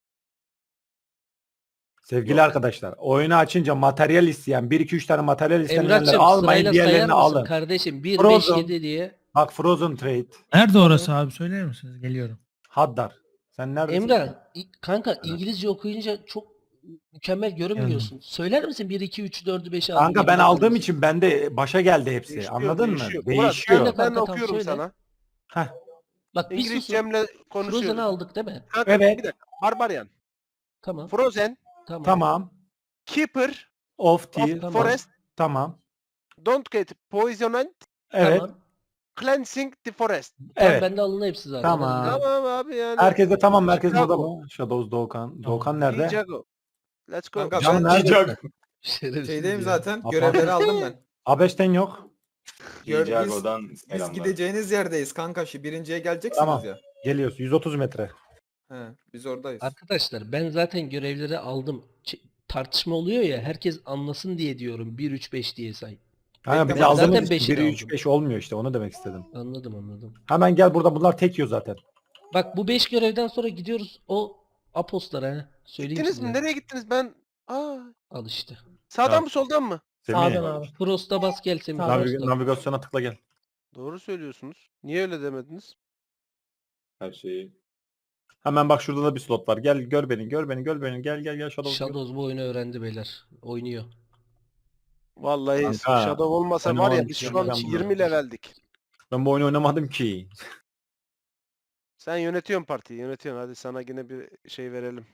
Speaker 1: Sevgili arkadaşlar, oyunu açınca materyal isteyen 1 2 3 tane materyal isteyenleri
Speaker 2: Emrah'cığım
Speaker 1: almayın,
Speaker 2: sırayla sayar
Speaker 1: diğerlerini
Speaker 2: mısın
Speaker 1: alın.
Speaker 2: kardeşim? 1, 5,
Speaker 1: Frozen.
Speaker 2: 7 diye.
Speaker 1: Bak Frozen Trade,
Speaker 10: Nerede orası abi söyler misiniz? Geliyorum.
Speaker 1: Haddar. Sen neredesin?
Speaker 2: Emrah kanka İngilizce okuyunca çok mükemmel görünmüyorsun. Söyler misin 1, 2, 3, 4'ü 5'i aldım.
Speaker 1: Kanka ben aldığım için bende başa geldi hepsi.
Speaker 4: Değişiyor,
Speaker 1: Anladın mı?
Speaker 4: değişiyor.
Speaker 1: Değişiyor.
Speaker 4: Murat, ben
Speaker 2: Kanka, tamam,
Speaker 4: okuyorum
Speaker 2: söyle.
Speaker 4: sana.
Speaker 1: Heh,
Speaker 2: Bak bir susun.
Speaker 4: İngilizcemle konuşuyoruz.
Speaker 2: Frozen'ı aldık değil mi?
Speaker 4: Kanka,
Speaker 1: Evet.
Speaker 4: Bir dakika. Barbarian,
Speaker 2: Tamam.
Speaker 4: Frozen,
Speaker 2: Tamam.
Speaker 1: tamam.
Speaker 4: Keeper
Speaker 1: Of the
Speaker 4: of
Speaker 2: Tamam.
Speaker 4: Forest,
Speaker 1: tamam.
Speaker 4: Don't Get Poisoned,
Speaker 1: Evet.
Speaker 2: Tamam.
Speaker 4: Cleansing the Forest.
Speaker 2: Tamam,
Speaker 1: Evet.
Speaker 2: bende alın hepsi zaten.
Speaker 1: Tamam.
Speaker 2: Hadi gidelim.
Speaker 4: Tamam abi yani.
Speaker 1: Herkes de tamam. Herkes
Speaker 4: Chicago.
Speaker 1: burada mı? Shadows Doğukan. Doğukan nerede?
Speaker 4: Ninjago. Let's go.
Speaker 8: Kanka
Speaker 1: Canım
Speaker 8: ben
Speaker 1: nerede?
Speaker 2: Şerefsiz
Speaker 8: şeydeyim
Speaker 2: ya.
Speaker 8: zaten.
Speaker 1: Apa-
Speaker 8: Görevleri aldım ben.
Speaker 1: Abeşten yok.
Speaker 6: Ninjago'dan
Speaker 8: Biz
Speaker 6: selamlar.
Speaker 8: gideceğiniz yerdeyiz kanka. Şu birinciye geleceksiniz
Speaker 1: Tamam.
Speaker 8: ya.
Speaker 1: Geliyoruz. 130 metre.
Speaker 8: He, biz oradayız.
Speaker 2: Arkadaşlar ben zaten görevleri aldım. Tartışma oluyor ya herkes anlasın diye diyorum. 1, 3, 5 diye say.
Speaker 1: Kanka
Speaker 8: Ben
Speaker 1: biz
Speaker 2: zaten
Speaker 1: aldığımız
Speaker 2: beşi de
Speaker 1: 1 3
Speaker 2: aldım.
Speaker 1: 5 olmuyor işte. Onu demek istedim.
Speaker 2: Anladım.
Speaker 1: Hemen gel burada bunlar tek yiyor zaten.
Speaker 2: Bak bu 5 görevden sonra gidiyoruz o apostlara. He. Söyleyeyim
Speaker 4: Gittiniz
Speaker 2: size.
Speaker 4: mi? Nereye gittiniz? Ben
Speaker 2: Al işte.
Speaker 4: sağdan
Speaker 1: Ya.
Speaker 4: mı soldan mı?
Speaker 1: Semih.
Speaker 3: Sağdan abi.
Speaker 2: Frost'a bas gel Semih.
Speaker 3: Tamam.
Speaker 2: Frost'a.
Speaker 1: Navigasyona tıkla gel.
Speaker 4: Doğru söylüyorsunuz. Niye öyle demediniz?
Speaker 6: Her şeyi.
Speaker 1: Hemen bak şurada da bir slot var. Gel gör beni. Gel Shadows.
Speaker 2: Shadows bu oyunu öğrendi beyler. Oynuyor.
Speaker 4: Vallahi
Speaker 1: Kanka,
Speaker 4: Shadow olmasa var ya
Speaker 1: oynamadım
Speaker 4: biz
Speaker 1: ki
Speaker 4: şu an
Speaker 1: ben bunu.
Speaker 4: 20 leveldik.
Speaker 1: Ben bu oyunu oynamadım ki.
Speaker 4: Sen yönetiyorsun partiyi, yönetiyorsun. Hadi sana yine bir şey verelim.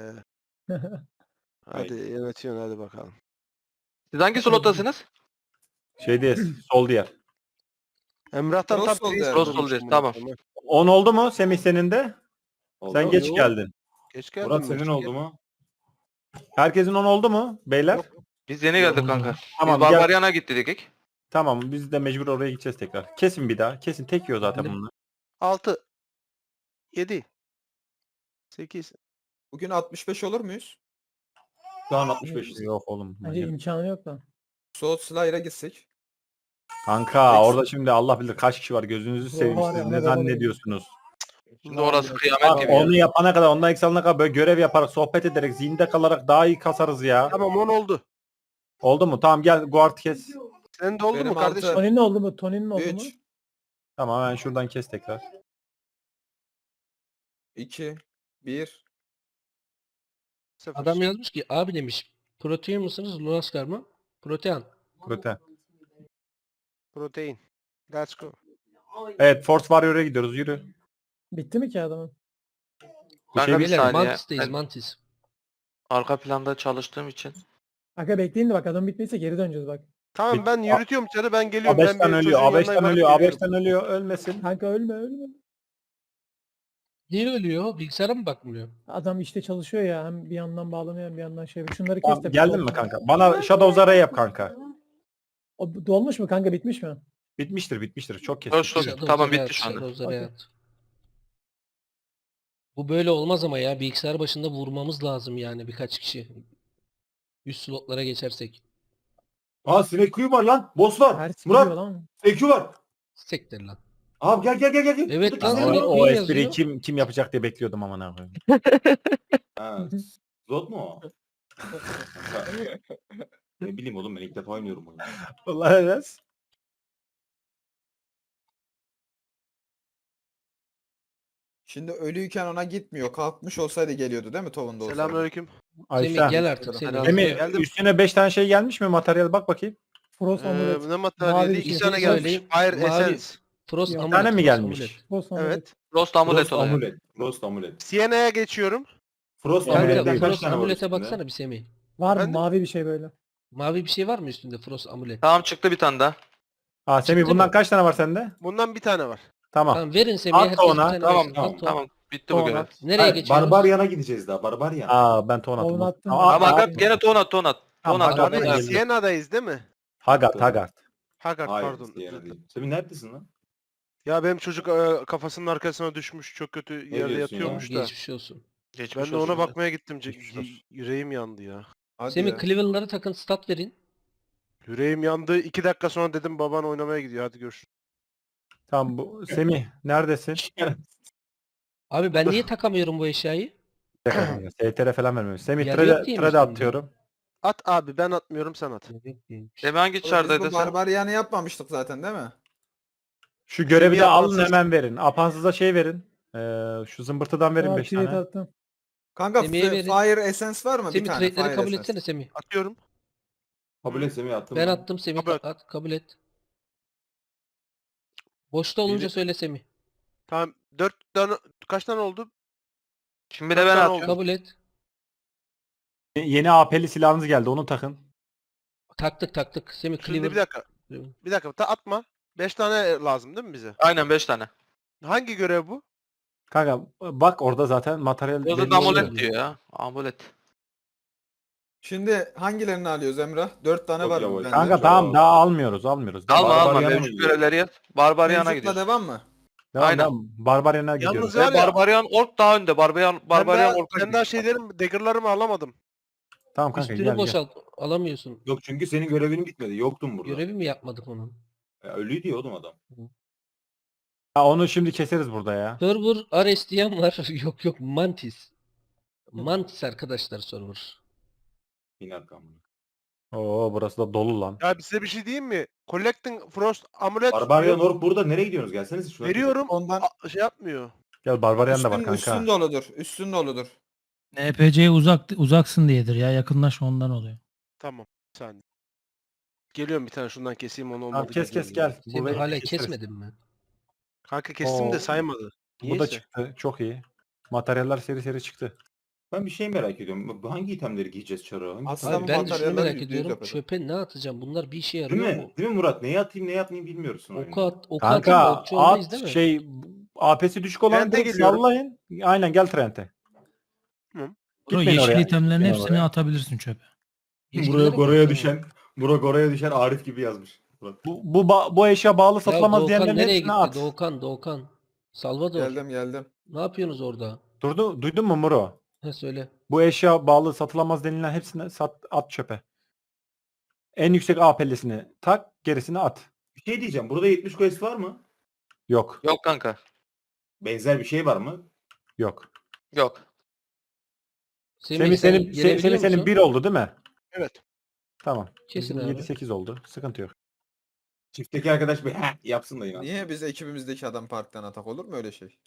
Speaker 4: Hadi yönetiyorsun hadi bakalım.
Speaker 11: Siz hangi slottasınız?
Speaker 1: Şeydeyiz. Sol diğer.
Speaker 4: Emrah'tan
Speaker 8: Cross
Speaker 4: tam
Speaker 8: oldu
Speaker 4: priest
Speaker 8: yani.
Speaker 11: Cross
Speaker 4: olmuşum
Speaker 11: oldu,
Speaker 4: ben.
Speaker 11: tamam.
Speaker 1: 10 oldu mu Semih senin de?
Speaker 6: Oldu
Speaker 1: Sen
Speaker 6: mu?
Speaker 1: geç
Speaker 4: Yok.
Speaker 1: geldin.
Speaker 4: Geç geldin
Speaker 6: Murat
Speaker 4: mi?
Speaker 6: senin oldu mu?
Speaker 1: Herkesin 10 oldu mu beyler?
Speaker 11: Biz yeni geldik kanka.
Speaker 1: Tamam
Speaker 11: Biz
Speaker 1: gel.
Speaker 11: Barbarian'a gittik dedik.
Speaker 1: Tamam biz de mecbur oraya gideceğiz tekrar. Kesin bir daha. Kesin tek yiyor zaten
Speaker 2: Hadi.
Speaker 1: bunlar.
Speaker 4: 6 7 8
Speaker 8: Bugün 65 olur muyuz?
Speaker 6: Şu an 65.
Speaker 1: Yok oğlum.
Speaker 3: Bence imkanı yok da.
Speaker 8: Soğut Slayer'a gitsek.
Speaker 1: Kanka orada şimdi Allah bilir kaç kişi var. Gözünüzü seveyim
Speaker 3: var ya,
Speaker 1: siz
Speaker 3: ne
Speaker 1: ne
Speaker 3: baba
Speaker 1: zannediyorsunuz?
Speaker 11: Şimdi orası kıyamet
Speaker 1: Bak
Speaker 11: gibi. ya.
Speaker 1: onu yapana kadar ondan eksilene kadar böyle görev yaparak sohbet ederek zinde kalarak daha iyi kasarız ya.
Speaker 4: Tamam 10 oldu.
Speaker 1: Oldu mu? Tamam gel guard kes.
Speaker 4: Senin de oldu
Speaker 8: Benim
Speaker 4: mu kardeşim?
Speaker 8: altı.
Speaker 3: Tony'nin oldu mu? Tony'nin oldu mu?
Speaker 8: 3
Speaker 1: Tamam hemen şuradan kes tekrar.
Speaker 8: 2 1
Speaker 4: 0.
Speaker 2: Adam yazmış ki abi demiş. Protein mısınız? Lunaskar mı? Protean.
Speaker 1: Protein.
Speaker 4: Protein. Let's go.
Speaker 1: Evet Force Warrior'a gidiyoruz yürü.
Speaker 3: Bitti mi ki adamın?
Speaker 11: Kanka bir
Speaker 2: Beyler
Speaker 11: saniye.
Speaker 2: Mantis'teyiz
Speaker 11: Ben
Speaker 2: Mantis.
Speaker 11: arka planda çalıştığım için.
Speaker 3: Aga bekleyin de bak adam bitmeyse geri döneceğiz bak.
Speaker 4: Tamam ben yürütüyorum içeri, ben geliyorum. Ben
Speaker 1: A5'ten
Speaker 4: bir
Speaker 1: ölüyor.
Speaker 4: çocuğun yanına
Speaker 1: A5'ten
Speaker 4: varıp
Speaker 1: ölüyor.
Speaker 4: geliyorum.
Speaker 1: A5'ten ölüyor. Ölmesin.
Speaker 3: Kanka ölme ölme.
Speaker 2: Niye ölüyor? Bilgisayara mı bakmıyor?
Speaker 3: Adam işte çalışıyor ya. Hem bir yandan bağlanıyor hem bir yandan şey. Şunları kes
Speaker 1: Tamam,
Speaker 3: de.
Speaker 1: geldin mi kanka? Bana Shadows array yap kanka.
Speaker 3: O dolmuş mu kanka, bitmiş mi?
Speaker 1: Bitmiştir. Çok
Speaker 11: Dur,
Speaker 1: kesin.
Speaker 11: dur.
Speaker 2: Shadows
Speaker 11: Tamam,
Speaker 2: oraya
Speaker 11: bitti
Speaker 2: at,
Speaker 11: şu anda.
Speaker 2: Shadows oraya
Speaker 3: Okey.
Speaker 2: at. Bu böyle olmaz ama ya. Bilgisayar başında vurmamız lazım yani birkaç kişi. Üst slotlara geçersek.
Speaker 6: Aa sinek kuyu var lan. Boss var.
Speaker 3: Her gidiyor
Speaker 6: Murat
Speaker 3: lan.
Speaker 6: sinek kuyu var.
Speaker 2: Sektir lan.
Speaker 6: Abi gel.
Speaker 2: Evet
Speaker 6: Buradaki
Speaker 2: lan,
Speaker 6: sinek
Speaker 1: O,
Speaker 6: kuyu.
Speaker 2: sinek
Speaker 1: o
Speaker 2: kuyu
Speaker 1: espriyi
Speaker 2: yazıyor.
Speaker 1: kim yapacak diye bekliyordum ama ne koyayım.
Speaker 6: Ha, Zot mu o? Ne bileyim oğlum, ben ilk defa oynuyorum oyunu.
Speaker 1: Vallahi evet.
Speaker 8: Şimdi ölüyken ona gitmiyor. Kalkmış olsaydı geliyordu değil mi Tovunda olsaydı?
Speaker 4: Selamünaleyküm.
Speaker 2: Semih
Speaker 1: Ayşe.
Speaker 2: gel artık seni.
Speaker 1: Semih
Speaker 4: Geldim.
Speaker 1: üstüne 5 tane şey gelmiş mi? Materyal bak bakayım.
Speaker 3: Frost amulet.
Speaker 4: Ne
Speaker 3: Mavi
Speaker 4: materyali?
Speaker 3: bir
Speaker 4: 2
Speaker 3: şey
Speaker 4: tane
Speaker 2: söyleyeyim.
Speaker 4: gelmiş. Fire
Speaker 2: Mavi.
Speaker 4: Essence.
Speaker 2: Frost
Speaker 3: Bir
Speaker 2: amulet.
Speaker 1: tane mi
Speaker 2: Frost
Speaker 1: gelmiş?
Speaker 2: amulet.
Speaker 3: Frost amulet.
Speaker 4: Evet.
Speaker 11: Frost amulet
Speaker 6: Frost
Speaker 11: oluyor.
Speaker 6: amulet. Frost amulet.
Speaker 4: Siena'ya geçiyorum.
Speaker 6: Frost
Speaker 1: Kanka,
Speaker 6: amuletten
Speaker 2: Kanka
Speaker 6: kaç
Speaker 2: Frost
Speaker 6: tane var
Speaker 2: amulete
Speaker 6: üstünde?
Speaker 2: baksana bir Semih.
Speaker 3: Var mı?
Speaker 4: Ben de-
Speaker 3: Mavi bir şey böyle.
Speaker 2: Mavi bir şey var mı üstünde Frost amulet?
Speaker 11: Tamam, çıktı bir tane daha.
Speaker 1: Aa Semih
Speaker 2: Çıktı
Speaker 1: bundan
Speaker 2: mı?
Speaker 1: kaç tane var sende?
Speaker 4: Bundan bir tane var.
Speaker 1: Tamam.
Speaker 2: Tamam verin Semih'e,
Speaker 1: At
Speaker 2: herkes bir
Speaker 1: ona.
Speaker 2: tane
Speaker 11: Tamam
Speaker 2: versin.
Speaker 11: tamam
Speaker 2: At ona.
Speaker 11: tamam. Bitti bu görev.
Speaker 2: Nereye
Speaker 6: Hayır,
Speaker 2: geçiyoruz?
Speaker 6: Barbaryan'a gideceğiz daha. Barbaryan.
Speaker 1: Aa ben ton attım.
Speaker 3: Onu attım.
Speaker 1: Tamam,
Speaker 11: Ama
Speaker 3: Abi-
Speaker 11: Hagat gene ton at.
Speaker 1: Tamam,
Speaker 11: Ton at.
Speaker 1: Hagat
Speaker 11: Ton
Speaker 1: geldi.
Speaker 11: at.
Speaker 4: Siena'dayız değil mi?
Speaker 1: Haggard.
Speaker 4: Haggard
Speaker 6: Hayır.
Speaker 4: pardon.
Speaker 6: Siena değil. Semih neredesin lan?
Speaker 4: Ya benim çocuk kafasının arkasına düşmüş. Çok kötü yerde
Speaker 6: diyorsun ya?
Speaker 4: yatıyormuş da.
Speaker 2: Geçmiş olsun.
Speaker 11: Geçmiş
Speaker 4: Ben de
Speaker 11: olsun.
Speaker 4: ona bakmaya gittim.
Speaker 6: Geçmiş olsun.
Speaker 4: Yüreğim yandı ya.
Speaker 8: Hadi
Speaker 2: Semih
Speaker 8: ya.
Speaker 2: Cleveland'lara takın stat verin.
Speaker 4: Yüreğim yandı. 2 dakika sonra dedim baban oynamaya gidiyor. Hadi görüşürüz.
Speaker 1: Tamam bu Semih neredesin?
Speaker 2: Abi ben niye takamıyorum bu eşyayı?
Speaker 1: STR falan vermiyorum. Semih
Speaker 2: Yer yok
Speaker 1: trade
Speaker 2: diyeyim
Speaker 1: trade
Speaker 2: üstünde.
Speaker 1: atıyorum.
Speaker 4: At abi, ben atmıyorum, sen at.
Speaker 11: Semih hangi
Speaker 8: Biz
Speaker 11: çardaydı
Speaker 8: bu
Speaker 11: sen?
Speaker 8: Barbaryan'ı yapmamıştık zaten değil mi?
Speaker 1: Şu görevi de
Speaker 4: Semih
Speaker 1: alın
Speaker 4: atmasın.
Speaker 1: hemen verin. Apansıza şey verin. Şu zımbırtıdan verin
Speaker 3: Tamam,
Speaker 1: 5
Speaker 3: trade
Speaker 1: tane.
Speaker 3: attım.
Speaker 8: Kanka
Speaker 2: Semih'e verin.
Speaker 8: Fire Essence var mı? Bir
Speaker 2: Semih
Speaker 8: tane
Speaker 2: trade'leri
Speaker 8: Fire
Speaker 2: kabul
Speaker 8: Essence.
Speaker 2: etsene Semih.
Speaker 4: Atıyorum.
Speaker 6: Kabul et Semih attım.
Speaker 2: Ben attım Semih
Speaker 4: Kabul et.
Speaker 2: at kabul et. Boşta olunca
Speaker 4: Biri-
Speaker 2: söyle Semih.
Speaker 4: Tamam. 4 tane, kaç tane oldu?
Speaker 11: Şimdi de ben
Speaker 4: Tamam,
Speaker 11: atıyorum.
Speaker 2: Kabul et.
Speaker 1: Yeni AP'li silahınız geldi onu takın.
Speaker 2: Taktık. Semih
Speaker 4: Şimdi bir
Speaker 2: Cleaver.
Speaker 4: dakika. Bir dakika. Atma. 5 tane lazım değil mi bize?
Speaker 11: Aynen 5 tane.
Speaker 4: Hangi görev bu?
Speaker 1: Kanka bak orada zaten materyal
Speaker 11: Burada
Speaker 1: belli
Speaker 11: da
Speaker 1: oluyor.
Speaker 11: amulet diyor ya. Amulet.
Speaker 8: Şimdi hangilerini alıyoruz Emrah? 4 tane
Speaker 6: Çok
Speaker 8: var
Speaker 6: yavaş.
Speaker 8: bende.
Speaker 1: Kanka tamam daha almıyoruz.
Speaker 11: Alma
Speaker 6: Barbaryan'a
Speaker 11: mevcut
Speaker 6: gidiyor.
Speaker 11: görevleri yap. Barbaryan'a
Speaker 8: Mevcutla
Speaker 11: gidiyoruz.
Speaker 8: devam mı?
Speaker 11: Aynen.
Speaker 1: Barbaryan'a gidiyoruz.
Speaker 4: Yalnız
Speaker 11: Ve
Speaker 4: var ya,
Speaker 11: Barbaryan Ork daha önde. Barbaryan Ork'a
Speaker 4: ben daha şeylerim, dagger'larımı alamadım.
Speaker 1: Tamam kanka
Speaker 2: Üstünü
Speaker 1: gel.
Speaker 2: boşalt. Alamıyorsun.
Speaker 6: Yok çünkü senin görevin bitmedi. Yoktun burada.
Speaker 2: Görevi mi yapmadık onun?
Speaker 6: Ya, ölüydü ya oğlum adam.
Speaker 1: Ya onu şimdi keseriz burada ya.
Speaker 2: Server Ares diyen var. Yok Mantis. Mantis arkadaşlar server.
Speaker 6: Yine arkamda.
Speaker 1: Oo burası da dolu lan.
Speaker 4: Ya size bir şey diyeyim mi? Collecting Frost Amulet
Speaker 6: Barbaryan Ork burada. Nereye gidiyorsunuz? Gelsenize şuna.
Speaker 4: veriyorum.
Speaker 8: Ondan
Speaker 4: Şey yapmıyor.
Speaker 1: Gel Barbaryan da var kanka.
Speaker 8: üstün doludur. Üstün doludur.
Speaker 10: NPC'ye uzaksın diyedir ya. Yakınlaş ondan oluyor.
Speaker 4: Tamam. Bir saniye. Geliyorum, bir tane şundan keseyim, onu
Speaker 1: Tamam,
Speaker 4: olmadı.
Speaker 1: kes
Speaker 4: geliyorum.
Speaker 1: gel.
Speaker 2: Semih
Speaker 1: Burayı
Speaker 2: hala
Speaker 1: keseriz.
Speaker 2: kesmedin mi?
Speaker 4: Kanka kestim
Speaker 1: Oo.
Speaker 4: de saymadı.
Speaker 1: Bu
Speaker 4: Niyeyse.
Speaker 1: da çıktı. Çok iyi. Materyaller seri çıktı.
Speaker 6: Ben bir şey merak ediyorum. Hangi itemleri giyeceğiz Çaro? Hangi
Speaker 8: Aslında
Speaker 2: Abi
Speaker 8: bu
Speaker 2: ben de şunu
Speaker 8: materyaller
Speaker 2: merak
Speaker 8: %100
Speaker 2: ediyorum.
Speaker 8: yapar.
Speaker 2: Çöpe ne atacağım? Bunlar bir işe
Speaker 6: Değil
Speaker 2: yarıyor
Speaker 6: mi?
Speaker 2: mu?
Speaker 6: Değil mi Murat? Neyi atayım neyi atmayayım bilmiyorsun oyunda.
Speaker 2: Oku atayım da
Speaker 1: Kanka
Speaker 2: okçu olmayız
Speaker 1: at
Speaker 2: değil mi?
Speaker 1: şey AP'si düşük olan
Speaker 4: Trente
Speaker 1: direkt
Speaker 4: geliyorum.
Speaker 1: sallayın. Aynen gel Trent'e.
Speaker 10: Bro,
Speaker 1: Gitmeyin
Speaker 10: yeşil
Speaker 1: oraya.
Speaker 10: itemlerin
Speaker 1: Gitmeyin
Speaker 10: hepsini
Speaker 1: oraya.
Speaker 10: atabilirsin çöpe.
Speaker 6: Buraya Gora'ya düşen Arif gibi yazmış. Murat.
Speaker 1: Bu eşya bağlı
Speaker 2: Ya
Speaker 1: satılamaz
Speaker 2: Doğukan
Speaker 1: diyenlerin
Speaker 2: nereye
Speaker 1: hepsini
Speaker 2: gitti?
Speaker 1: at.
Speaker 2: Doğukan. Salvador.
Speaker 8: Geldim.
Speaker 2: Ne yapıyorsunuz orada?
Speaker 1: Duydun mu Muro?
Speaker 2: Ha söyle.
Speaker 1: Bu eşya bağlı satılamaz denilen hepsini at çöpe. En yüksek AP'lisini tak, gerisini at.
Speaker 6: Bir şey diyeceğim. Burada 70 quest var mı?
Speaker 1: Yok.
Speaker 11: Yok kanka.
Speaker 6: Benzer bir şey var mı?
Speaker 1: Yok.
Speaker 11: Yok.
Speaker 1: Semih
Speaker 2: sen
Speaker 1: senin
Speaker 2: gelebiliyor
Speaker 1: senin
Speaker 2: musun?
Speaker 1: 1 oldu değil mi?
Speaker 4: Evet.
Speaker 1: Tamam.
Speaker 2: Kesin
Speaker 1: Bizim
Speaker 2: abi.
Speaker 1: 7-8 oldu. Sıkıntı yok.
Speaker 6: Çiftteki arkadaş bir yapsın da inan.
Speaker 8: Niye biz ekibimizdeki adam parktan atak olur mu öyle şey?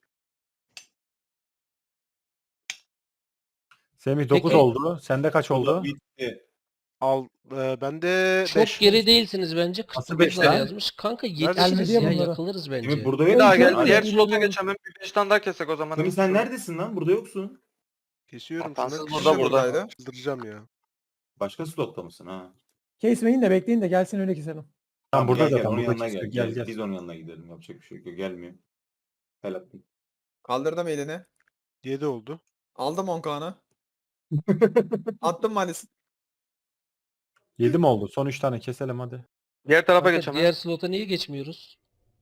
Speaker 1: Semih 9
Speaker 2: Peki.
Speaker 1: oldu. Sende kaç oldu?
Speaker 6: Bitti.
Speaker 4: Bende
Speaker 2: Çok
Speaker 4: 5.
Speaker 2: geri değilsiniz bence.
Speaker 1: Nasıl
Speaker 2: 49
Speaker 1: beş
Speaker 2: var
Speaker 1: lan?
Speaker 2: yazmış. Kanka
Speaker 4: Nerede?
Speaker 2: yetişiriz
Speaker 3: Gelmedi ya
Speaker 2: ya
Speaker 3: bunlara.
Speaker 2: yakılırız bence.
Speaker 6: Şimdi burada
Speaker 11: Bir
Speaker 6: yok.
Speaker 11: daha
Speaker 3: Görmedim.
Speaker 11: gel. Diğer
Speaker 3: Bilmiyorum.
Speaker 11: slota geçelim. Bir 5 tane daha kesek o zaman.
Speaker 6: Semih sen neredesin lan? Burada yoksun.
Speaker 4: Kesiyorum.
Speaker 11: Hatasız
Speaker 4: şunu.
Speaker 11: burada,
Speaker 8: buradaydı.
Speaker 4: Çıldıracağım ya.
Speaker 6: Başka slotta mısın ha?
Speaker 3: Kesmeyin de bekleyin de gelsin öyle keselim.
Speaker 1: Tamam burada
Speaker 6: gel,
Speaker 1: zaten.
Speaker 6: onun
Speaker 1: Burada
Speaker 6: yanına
Speaker 1: kesiyor.
Speaker 6: gel.
Speaker 1: Gel gel.
Speaker 6: Biz onun yanına gidelim. Yapacak bir şey yok. Gelmiyor. Helal.
Speaker 8: Kaldırdım elini.
Speaker 4: 7 oldu.
Speaker 8: Aldım 10 kanı. Attım Malis.
Speaker 1: 7 mi oldu? Son 3 tane keselim hadi.
Speaker 11: Diğer tarafa
Speaker 2: Kanka,
Speaker 11: geçemez.
Speaker 2: diğer slota niye geçmiyoruz?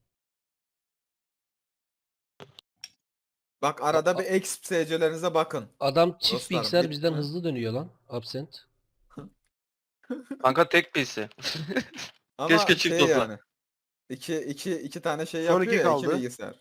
Speaker 8: Bak arada bir exp SC'lerinize bakın.
Speaker 2: Adam çift
Speaker 8: Dostlar,
Speaker 2: bilgisayar bizden
Speaker 8: bitme.
Speaker 2: hızlı dönüyor lan. Absent.
Speaker 11: Kanka tek PC.
Speaker 8: Ama
Speaker 11: Keşke çift
Speaker 8: şey
Speaker 11: olsa.
Speaker 8: yani. İki tane şey
Speaker 4: Son
Speaker 8: yapıyor
Speaker 4: iki
Speaker 8: ya, iki
Speaker 4: kaldı.
Speaker 8: bilgisayar.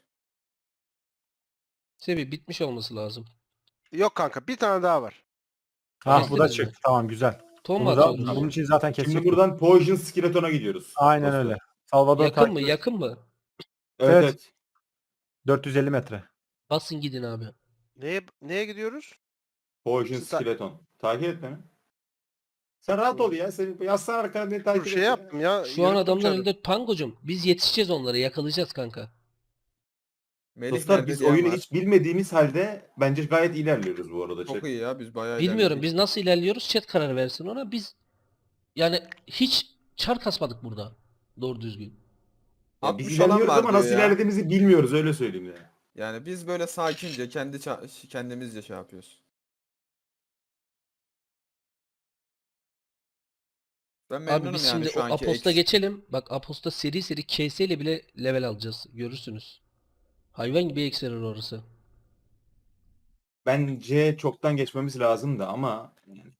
Speaker 2: Sebi bitmiş olması lazım.
Speaker 4: Yok kanka bir tane daha var.
Speaker 1: Ha bu da
Speaker 2: Kestiniz mi?
Speaker 1: çıktı. Tamam güzel.
Speaker 2: Ton mu
Speaker 1: Bunu da,
Speaker 2: atıyoruz?
Speaker 1: bunun için zaten
Speaker 6: Şimdi
Speaker 1: kesecek.
Speaker 6: buradan Poison Skeleton'a gidiyoruz.
Speaker 1: Aynen
Speaker 6: Dostlar.
Speaker 1: öyle. Salvador
Speaker 2: Yakın mı?
Speaker 1: takip-
Speaker 2: Yakın mı?
Speaker 6: Evet,
Speaker 1: Evet.
Speaker 6: evet.
Speaker 1: 450 metre.
Speaker 2: Basın gidin abi.
Speaker 4: Neye gidiyoruz?
Speaker 6: Poison
Speaker 4: Sta-
Speaker 6: Skeleton. Takip et beni. Sen rahat ol ya. Sen yazsana arkana beni takip
Speaker 4: Dur
Speaker 6: et.
Speaker 4: şey
Speaker 6: ya.
Speaker 4: yaptım ya.
Speaker 2: Şu an
Speaker 4: yürüttüm
Speaker 2: adamlar
Speaker 4: çarı.
Speaker 2: elde Pangocum. Biz yetişeceğiz onlara. Yakalayacağız kanka.
Speaker 8: Melih
Speaker 6: Dostlar
Speaker 8: nerede
Speaker 6: biz
Speaker 8: diyen
Speaker 6: oyunu
Speaker 8: var.
Speaker 6: hiç bilmediğimiz halde bence gayet ilerliyoruz bu arada.
Speaker 8: Çok iyi ya biz bayağı
Speaker 2: Bilmiyorum
Speaker 8: ilerledik.
Speaker 2: biz nasıl ilerliyoruz. Chat karar versin ona. Biz yani hiç çar kasmadık burada. Doğru düzgün.
Speaker 6: Ya biz
Speaker 8: 60 olan
Speaker 6: ilerliyoruz
Speaker 8: var
Speaker 6: ama nasıl
Speaker 8: diyor ya.
Speaker 6: ilerlediğimizi bilmiyoruz öyle söyleyeyim ya.
Speaker 8: Yani biz böyle sakince kendimizce şey yapıyoruz. Ben
Speaker 2: Abi
Speaker 8: memnunum
Speaker 2: biz
Speaker 8: yani
Speaker 2: şimdi
Speaker 8: şu
Speaker 2: o
Speaker 8: anki
Speaker 2: Apost'a
Speaker 8: ex-
Speaker 2: geçelim. Bak Apost'a seri seri KS ile bile level alacağız. Görürsünüz. Hayvan gibi ex verir orası.
Speaker 6: Bence çoktan geçmemiz lazım da ama yani.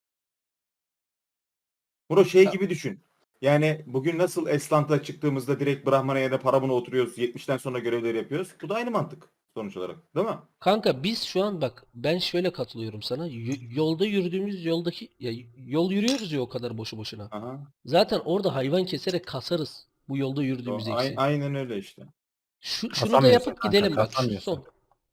Speaker 6: Bro şey
Speaker 2: Ya-
Speaker 6: gibi düşün. Yani bugün nasıl Eslant'a çıktığımızda direkt Brahman'a ya da Paramon'a oturuyoruz. 70'ten sonra görevleri yapıyoruz. Bu da aynı mantık sonuç olarak. Değil mi?
Speaker 2: Kanka biz şu an bak ben şöyle katılıyorum sana. Yolda yürüdüğümüz yoldaki ya yol yürüyoruz ya o kadar boşu boşuna.
Speaker 6: Aha.
Speaker 2: Zaten orada hayvan keserek kasarız. Bu yolda yürüdüğümüz eksi.
Speaker 6: Aynen öyle işte.
Speaker 2: Şunu da
Speaker 1: Kasamıyorsun
Speaker 2: yapıp
Speaker 1: kanka,
Speaker 2: gidelim bak. Şu
Speaker 1: kasamıyorsun.
Speaker 2: son.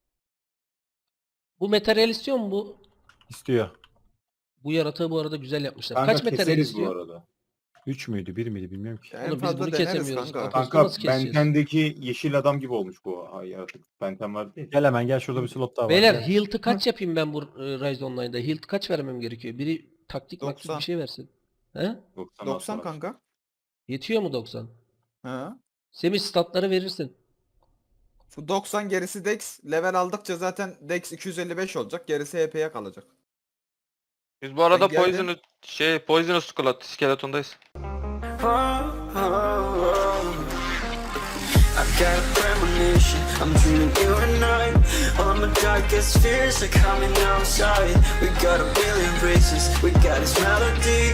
Speaker 2: Bu materyal istiyor mu bu?
Speaker 1: İstiyor.
Speaker 2: Bu yaratığı bu arada güzel yapmışlar.
Speaker 6: Kanka
Speaker 2: Kaç materyal
Speaker 6: keseriz bu
Speaker 2: istiyor?
Speaker 6: arada.
Speaker 1: 3 müydü 1 miydi bilmiyorum ki.
Speaker 8: En
Speaker 2: Oğlum biz
Speaker 8: fazla
Speaker 2: bunu
Speaker 8: deneriz
Speaker 2: kesemiyoruz.
Speaker 8: kanka.
Speaker 2: Apost'u
Speaker 6: Kanka
Speaker 2: nasıl keseceğiz?
Speaker 6: Benten'deki yeşil adam gibi olmuş bu yaratık. Benten var değil.
Speaker 1: Gel hemen gel şurada bir slot daha var.
Speaker 2: Beyler
Speaker 1: Gel.
Speaker 2: Hilt'ı kaç yapayım ben bu Rise Online'da? Hilt'ı kaç vermem gerekiyor? Biri taktik maktik
Speaker 8: 90.
Speaker 2: bir şey versin. He?
Speaker 8: 90 kanka.
Speaker 2: Yetiyor mu 90?
Speaker 8: Ha.
Speaker 2: Semih statları verirsin.
Speaker 8: Şu 90 gerisi Dex. Level aldıkça zaten Dex 255 olacak. Gerisi HP'ye kalacak.
Speaker 11: Biz bu arada
Speaker 8: Ben geldim.
Speaker 11: Poisonous Skeleton'dayız.
Speaker 12: I've got a premonition, I'm dreaming you and I. All my darkest fears are coming outside. We got a billion races, we got this melody.